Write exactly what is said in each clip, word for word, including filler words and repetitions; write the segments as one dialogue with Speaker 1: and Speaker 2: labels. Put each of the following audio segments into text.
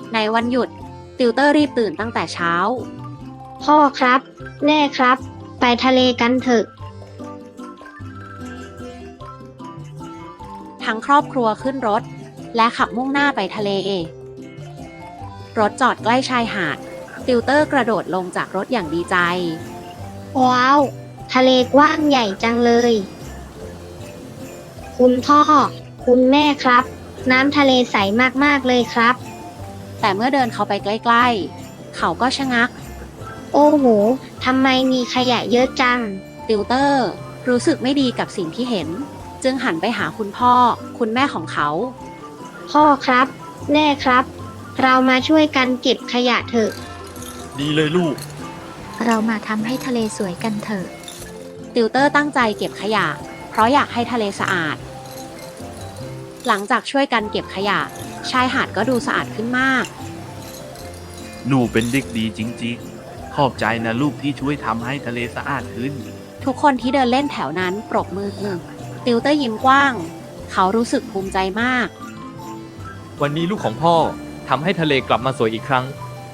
Speaker 1: ในวันหยุดติวเตอร์รีบตื่นตั้งแต่เช้า
Speaker 2: พ่อครับแม่ครับไปทะเลกันเถอะ
Speaker 1: ทั้งครอบครัวขึ้นรถและขับมุ่งหน้าไปทะเลรถจอดใกล้ชายหาดติวเตอร์กระโดดลงจากรถอย่างดีใจ
Speaker 2: ว้าวทะเลกว้างใหญ่จังเลยคุณพ่อคุณแม่ครับน้ำทะเลใสมากๆเลยครับ
Speaker 1: แต่เมื่อเดินเข้าไปใกล้ๆเขาก็ชะงัก
Speaker 2: โอ้โหทำไมมีขยะเยอะจัง
Speaker 1: ติวเตอร์รู้สึกไม่ดีกับสิ่งที่เห็นจึงหันไปหาคุณพ่อคุณแม่ของเขา
Speaker 2: พ่อครับแม่ครับเรามาช่วยกันเก็บขยะเถอะ
Speaker 3: ดีเลยลูก
Speaker 4: เรามาทำให้ทะเลสวยกันเถอะ
Speaker 1: ติวเตอร์ตั้งใจเก็บขยะเพราะอยากให้ทะเลสะอาดหลังจากช่วยกันเก็บขยะชายหาดก็ดูสะอาดขึ้นมาก
Speaker 3: หนูเป็นเด็กดีจริงๆขอบใจนะลูกที่ช่วยทำให้ทะเลสะอาดขึ้น
Speaker 1: ทุกคนที่เดินเล่นแถวนั้นปรบมือติวเตอร์ยิ้มกว้างเขารู้สึกภูมิใจมาก
Speaker 5: วันนี้ลูกของพ่อทำให้ทะเลกลับมาสวยอีกครั้ง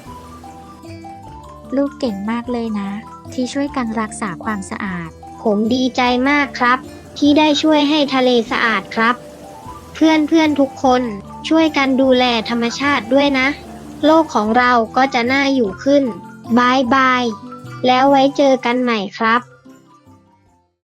Speaker 4: ลูกเก่งมากเลยนะที่ช่วยกันรักษาความสะอาด
Speaker 2: ผมดีใจมากครับที่ได้ช่วยให้ทะเลสะอาดครับเพื่อนเพื่อนทุกคนช่วยกันดูแลธรรมชาติด้วยนะโลกของเราก็จะน่าอยู่ขึ้นบายบายแล้วไว้เจอกันใหม่ครับ